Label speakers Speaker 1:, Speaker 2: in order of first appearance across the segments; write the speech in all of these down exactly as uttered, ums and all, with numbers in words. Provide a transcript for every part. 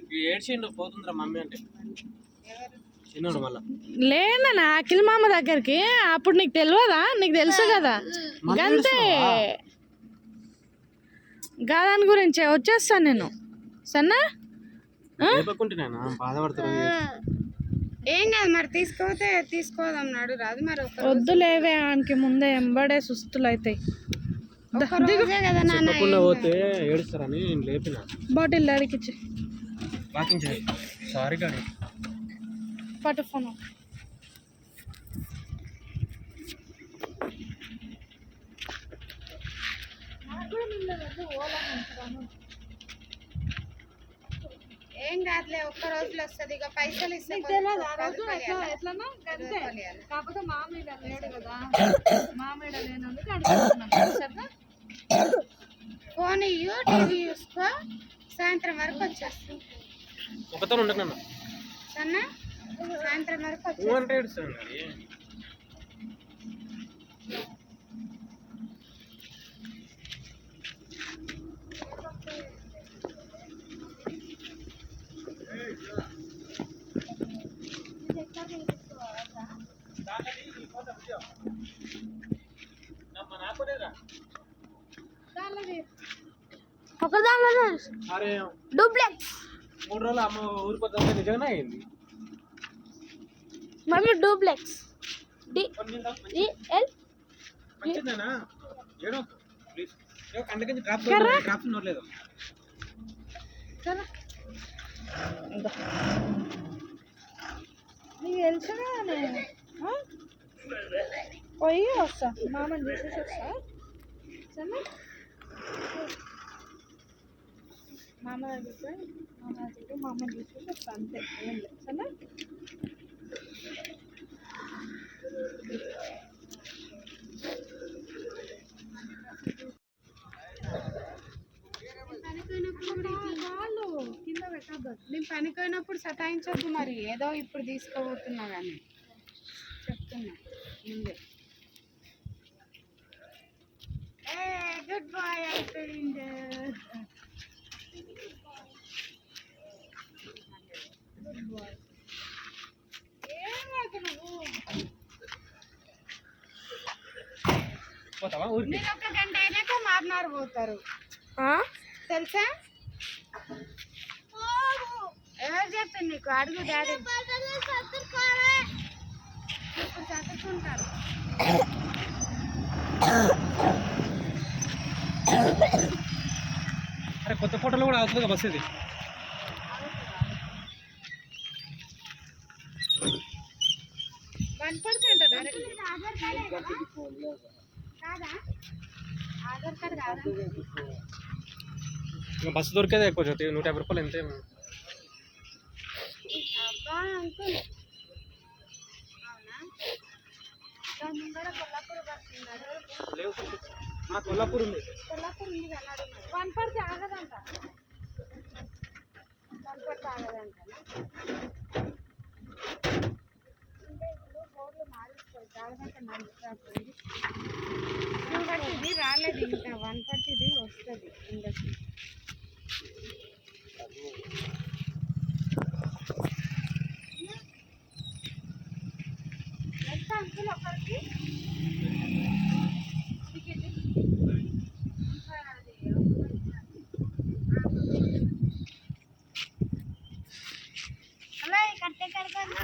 Speaker 1: ఏడ్చిండు పోతుందిరా mummy అంటే చిన్నోడు మళ్ళా
Speaker 2: లేదన్నా అఖిల్ మామ దగ్గరికి. అప్పుడు నీకు తెలియదా? నీకు తెలుసు కదా. గంతే గాదాని గురించి వచ్చేస్తాను నేను. సన్నా
Speaker 1: బాధపడుతున్నా
Speaker 3: ఏం కాదు మరి. తీసుకోతే తీసుకోదన్నాడు రాదు మరి.
Speaker 2: వద్దు లేవే ఆయనకి ముందే ఎంబడే సుస్తులు అవుతాయి.
Speaker 1: పోతే ఏడుస్తారని నేను లేపిన.
Speaker 2: బాటిల్ అడిగిచ్చి
Speaker 1: వాకింగ్ చేయి. సారీ గాడి
Speaker 2: పట్టు ఫోన్.
Speaker 3: ఏం కాదులే, ఒక్క రోజులో వస్తుంది. ఇక పైసలు ఇస్తే
Speaker 2: కాకపోతే మామయ్య లేడు కదా, మామయ్య లేనందుకు అడుగుతున్నాను.
Speaker 3: ఫోన్ ఇయ్యు, టీవీ చూసుకో, సాయంత్రం వరకు వచ్చేస్తాం.
Speaker 1: ఒకతో ఉండకన్నా
Speaker 3: సన్నా సాయంత్రం వరకు వచ్చేస్తాం.
Speaker 2: ఒక దాంట్లో డూప్లెక్స్
Speaker 1: మూడు రోజులు అమ్మ ఊరిపోతుంది నిజంగానే అయింది.
Speaker 2: మమ్మీ డూప్లెక్స్ డిఎల్
Speaker 1: మంచిదేనా? ఏడో ప్లీజ్ అందుకని డ్రాప్ డ్రాప్స్ నోట్లేదు.
Speaker 2: నీకు తెలుసుగా నేను పోయి వస్తా, మామని చూసేసి వస్తా. సరే మామ దగ్గరికి పోయి మామ దగ్గరికి మా అమ్మని చూసేసి వస్తా, అంతే. ఏం లేదు సరే. కింద పెట్టద్దు.
Speaker 3: నేను పనిపోయినప్పుడు సతాయించొద్దు మరి. ఏదో ఇప్పుడు తీసుకోబోతున్నా కానీ చెప్తున్నా ముందే. గుడ్ బాయ్ అయిపోయింది. మీరు ఒక గంట అయినాక మారినారు పోతారు తెలుసా? ఎవరు చెప్పింది నీకు? అడుగు డాడీ. ఇప్పుడు చదువుకుంటారు.
Speaker 1: అరే కొత్త ఫోటోలు కూడా అవుతుంది బస్. ఇది
Speaker 3: వన్ పర్సెంట్ ఆధార్ కార్డ్ కాదా? ఆధార్ కార్డ్ కాదా?
Speaker 1: బస్సు దొరికేదే ఎక్కువ జ్యోతి. నూట యాభై రూపాయలు ఎంత?
Speaker 3: అబ్బా అంకుల్ అవునా? ముందర కొల్లాపూర్ బస్ ఉన్నారు.
Speaker 1: మా కొల్లాపూర్ ఉంది.
Speaker 3: కొల్లాపూర్ ఉంది అన్నాడు. వన్ పర్తి ఆగదంట. వన్ పర్తి ఆగదంట. అంటే ఇప్పుడు బోర్డులు మారుస్తారు. ఆగదంట నడుస్తుంది. ఇది రాలేదు ఇంకా. వన్ పర్తి ఇది వస్తుంది ఇండస్ట్రీ. ఎంత అంకుల్ ఒకరికి అలా కట్టే కడతాను.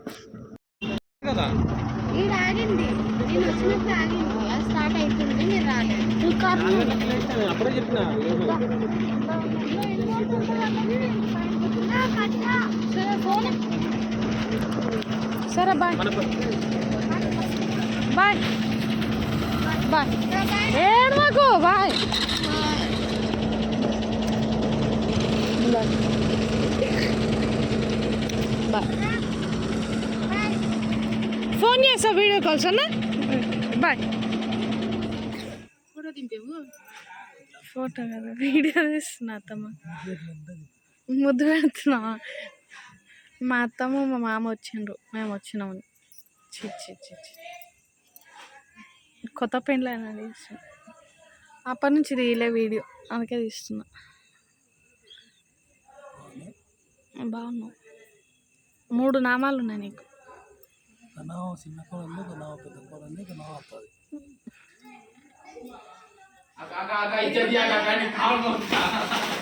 Speaker 3: ఈడ ఆగింది. నేను వచ్చినప్పుడు ఆగింది. స్టార్ట్ అవుతుంది. మీరు
Speaker 1: అప్పుడే చెప్పిన
Speaker 2: సరే ఫోన్ సరే బాయ్ బాయ్ బాయ్ ఏడవకు బాయ్ బాయ్ ఫోన్ చేస్తా వీడియో కాల్ సన్నా బాయ్
Speaker 3: ఫోటో దింపేవు
Speaker 2: ఫోటో కదా వీడియో తీస్తున్నా అత్తమ్మ ముద్దు పెడుతున్నా మా అత్తమ్మ మా మామ వచ్చిండ్రు మేము వచ్చినాము చి చి చి చి. కొత్త పెండ్లు అయినా తీస్తున్నా అప్పటి నుంచి తీయలే వీడియో అందుకే తీస్తున్నా బాగున్నావు మూడు నామాలు ఉన్నాయి నీకు
Speaker 1: చిన్న కోడలు పెద్ద కోడలు వస్తుంది